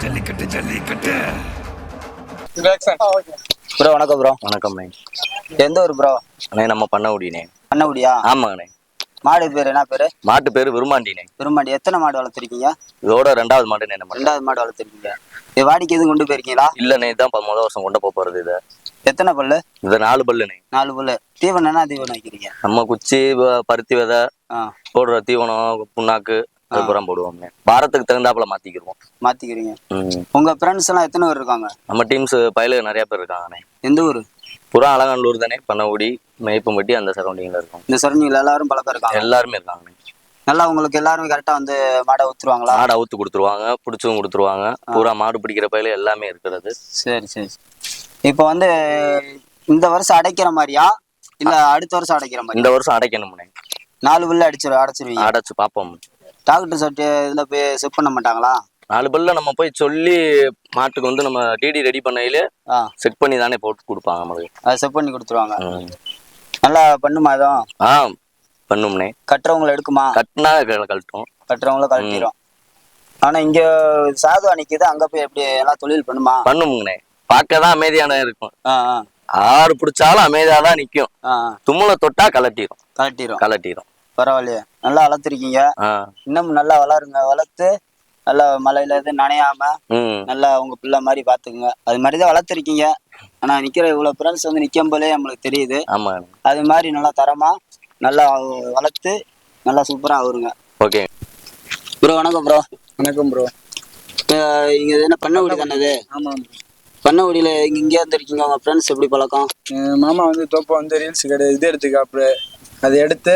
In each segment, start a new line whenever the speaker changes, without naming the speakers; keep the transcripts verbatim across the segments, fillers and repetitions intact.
Jallikattu jallikattu.
Bro வணக்கம் bro.
வணக்கம்ண்ணே.
எந்த ஊர் ப்ரோ?
அண்ணே நம்ம பண்ணகுடிண்ணே.
பண்ணகுடியா?
ஆமாங்கண்ணே.
மாடு பேர் என்ன பேரு?
மாட்டு பேரு விரும்மாண்டிண்ணே.
விரும்மாண்டி. எத்தனை மாடு வளர்த்துருக்கீங்க?
இதோட ரெண்டாவது மாடுண்ணே. நம்ம
ரெண்டாவது மாடு வளர்த்துருக்கீங்க. இது வாடிக்கை எதுவும் கொண்டு போயிருக்கீங்களா?
இல்லண்ணே, இதான் முதல் வருஷம் கொண்டு போக போறது. இதை
எத்தனை பல்லு?
இது நாலு பல்லுண்ணே.
நாலு பல்லு. தீவனம் என்ன தீவனம் வைக்கிறீங்க?
நம்ம குச்சி, பருத்தி விதை, போடுற தீவனம், புண்ணாக்கு அதுக்கப்புறம் போடுவோம்ண்ணே. வாரத்துக்கு தகுந்தாப்புல மாத்திக்கிடுவோம்.
மாத்திக்கிறீங்க. உங்க ஃப்ரெண்ட்ஸ் எல்லாம் எத்தனை பேர் இருக்காங்க?
நம்ம டீம்ஸ் பயில நிறைய பேர் இருக்காங்கண்ணே.
எந்த ஊர்?
புறா அலங்காநல்லூர் தானே. பண்ணகுடி, மேய்ப்பம்பட்டி அந்த சரௌண்டிங்ல இருக்கும்.
இந்த சரௌண்டிங்ல எல்லாரும் பழக்கம் இருக்காங்க? எல்லாருமே
இருக்காங்கண்ணே.
நல்லா உங்களுக்கு எல்லாருமே கரெக்டா வந்து மாடை ஊத்துருவாங்களா?
மாடை ஊத்து கொடுத்துருவாங்க, பிடிச்சும் கொடுத்துருவாங்க. பூரா மாடு பிடிக்கிற பயில எல்லாமே இருக்கிறது.
சரி சரி. இப்போ வந்து இந்த வருஷம் அடைக்கிற மாதிரியா இல்ல அடுத்த வருஷம் அடைக்கிற மாதிரி?
இந்த வருஷம் அடைக்கணும்ண்ணே.
நாலு பல்லு அடிச்சிரு அடைச்சிருவீங்க?
அடைச்சு பார்ப்போம்.
டாக்டர் சர்ட்டு இதுல போய் செக் பண்ண மாட்டாங்களா?
நாலு பல்ல நம்ம போய் சொல்லி மாட்டுக்கு வந்து நம்ம டிடி ரெடி பண்ணையில செட் பண்ணி தானே போட்டு கொடுப்பாங்க. நம்மளுக்கு
அதை செட் பண்ணி கொடுத்துருவாங்க. நல்லா பண்ணுமா? அதுவும்
ஆ பண்ணும்னே.
கட்டுறவங்களை எடுக்குமா?
கட்டினா கழட்டும்.
கட்டுறவங்கள கழட்டிடும். ஆனா இங்க சாதுவா நிக்குது, அங்க போய் எப்படி எல்லாம் தொழில் பண்ணுமா?
பண்ணும்னே. பார்க்கதான் அமைதியான இருக்கும்.
ஆஹ்
ஆறு பிடிச்சாலும் அமைதியாதான் நிக்கும். தும்முல தொட்டா கலட்டிடும்.
கலட்டிடும்
கலட்டிடும்.
பரவாயில்லையே, நல்லா வளர்த்துருக்கீங்க. இன்னும் நல்லா வளருங்க. வளர்த்து நல்லா மழையில இது நனையாம நல்லா உங்க பிள்ளை மாதிரி பாத்துக்குங்க. அது மாதிரிதான் வளர்த்துருக்கீங்க. ஆனா நிக்கிற இவ்வளவு ஃப்ரெண்ட்ஸ் வந்து நிக்கும் போதே நம்மளுக்கு தெரியுது.
ஆமா,
அது மாதிரி நல்லா தரமா நல்லா வளர்த்து நல்லா சூப்பரா வருங்க.
Okay
bro. வணக்கம் ப்ரோ.
வணக்கம் ப்ரோ.
இங்க என்ன பண்ணகுடி தானே?
ஆமா.
பண்ணகுடியில இங்க இங்கே வந்துருக்கீங்க. உங்க ஃப்ரெண்ட்ஸ் எப்படி பழக்கம்?
மாமா வந்து தோப்பை வந்து ரீல்ஸ் கடை இது எடுத்துக்காப்புல அதை எடுத்து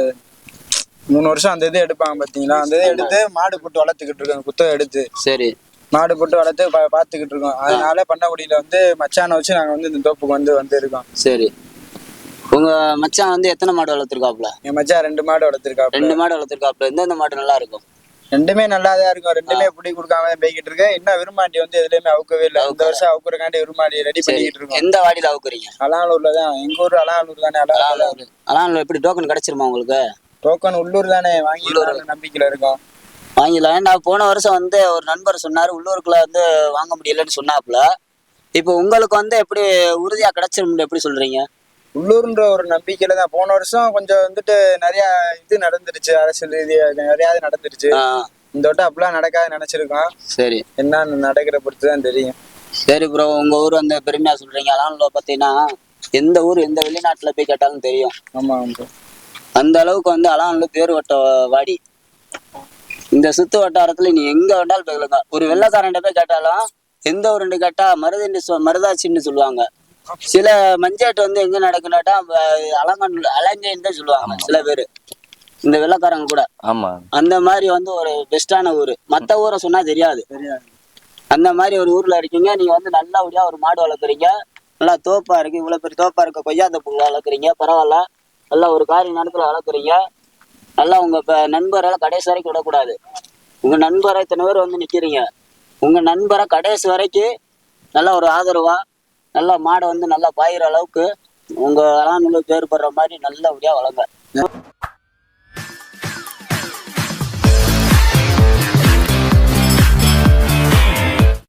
மூணு வருஷம் அந்த இது எடுப்பாங்க பாத்தீங்களா? அந்த இதை எடுத்து மாடு போட்டு வளர்த்துக்கிட்டு இருக்கோம். குத்தம் எடுத்து சரி மாடு போட்டு வளர்த்து பா பார்த்துக்கிட்டு இருக்கோம். அதனால பண்ணகுடியில வந்து மச்சானை வச்சு நாங்க வந்து இந்த தோப்புக்கு வந்து வந்து இருக்கோம்.
சரி. உங்க மச்சான் வந்து எத்தனை மாடு வளர்த்துருக்காப்புல?
என் மச்சான் ரெண்டு மாடு வளர்த்துருக்காப்புல.
ரெண்டு மாடு வளர்த்துருக்காப்புல. எந்தெந்த மாடு நல்லா இருக்கும்?
ரெண்டுமே நல்லாதான் இருக்கும். ரெண்டுமே பிடி கொடுக்காம போய்கிட்டு இருக்கேன். இன்னும் விரும்மாண்டி வந்து எதுலயுமே அவுக்கவே இல்லை. இந்த வருஷம் அவுக்குறக்காண்டி விரும்மாண்டி ரெடி பண்ணிக்கிட்டு இருக்கோம்.
எந்த வாடியில அவுக்குறீங்க?
அலானூர்ல தான். எங்க ஊர் அலானூர் தானே.
அலானூர். அலானூர் எப்படி டோக்கன் கிடைச்சிருமா உங்களுக்கு?
டோக்கன் உள்ளூர் தானே. வாங்கி நம்பிக்கையில இருக்கோம்.
வாங்கிடலாம். ஏன்னா போன வருஷம் வந்து ஒரு நண்பர் சொன்னாரு உள்ளூருக்குள்ள வந்து வாங்க முடியலன்னு சொன்னாப்புல. இப்போ உங்களுக்கு வந்து எப்படி உறுதியா கிடைச்சிரும் எப்படி சொல்றீங்க?
உள்ளூர்ன்ற ஒரு நம்பிக்கையில தான். போன வருஷம் கொஞ்சம் வந்துட்டு நிறைய இது நடந்துருச்சு. அரசியல் ரீதியாக நிறைய நடந்துருச்சு. இந்த வட்டம் அப்படிலாம் நடக்காது நினைச்சிருக்கோம். சரி, என்ன நடக்கிற பொறுத்துதான் தெரியும்.
சரி ப்ரோ. உங்க ஊர் வந்து பெருமையா சொல்றீங்க. அலான்ல பாத்தீங்கன்னா எந்த ஊர் எந்த வெளிநாட்டுல போய் கேட்டாலும் தெரியும்.
ஆமா.
அந்த அளவுக்கு வந்து அலான்ல பேர் வட்ட வாடி. இந்த சுத்து வட்டாரத்துல நீ எங்க வேண்டாலும் போய்க்கலங்க. ஒரு வெள்ளக்காரன் போய் கேட்டாலும் எந்த ஊருன்னு கேட்டா மருதண்டி மருதாச்சின்னு சொல்லுவாங்க. சில மஞ்சாட்டு வந்து எங்க நடக்குனாட்டா அலங்கன் அலங்கைன்னு தான் சொல்லுவாங்க சில பேரு, இந்த வெள்ளக்காரங்க கூட.
ஆமா.
அந்த மாதிரி வந்து ஒரு பெஸ்டான ஊரு. மத்த ஊரை சொன்னா தெரியாது. அந்த மாதிரி ஒரு ஊர்ல இருக்கீங்க. நீங்க வந்து நல்லபடியா ஒரு மாடு வளர்க்குறீங்க. நல்லா தோப்பா இருக்கு. இவ்வளவு பெரிய தோப்பா இருக்க கொய்யா தோப்புல வளர்க்குறீங்க. பரவாயில்ல. நல்லா ஒரு காரிய நேரத்துல வளர்க்குறீங்க. நல்லா உங்க நண்பரெல்லாம் கடைசி வரைக்கும் விடக்கூடாது. உங்க நண்பரை இத்தனை பேர் வந்து நிக்கிறீங்க. உங்க நண்பரை கடைசி வரைக்கும் நல்லா ஒரு ஆதரவா நல்லா மாடை வந்து நல்லா பாயிற அளவுக்கு உங்க அலானூர்ல பேர் படுற மாதிரி நல்லபடியா வளங்க.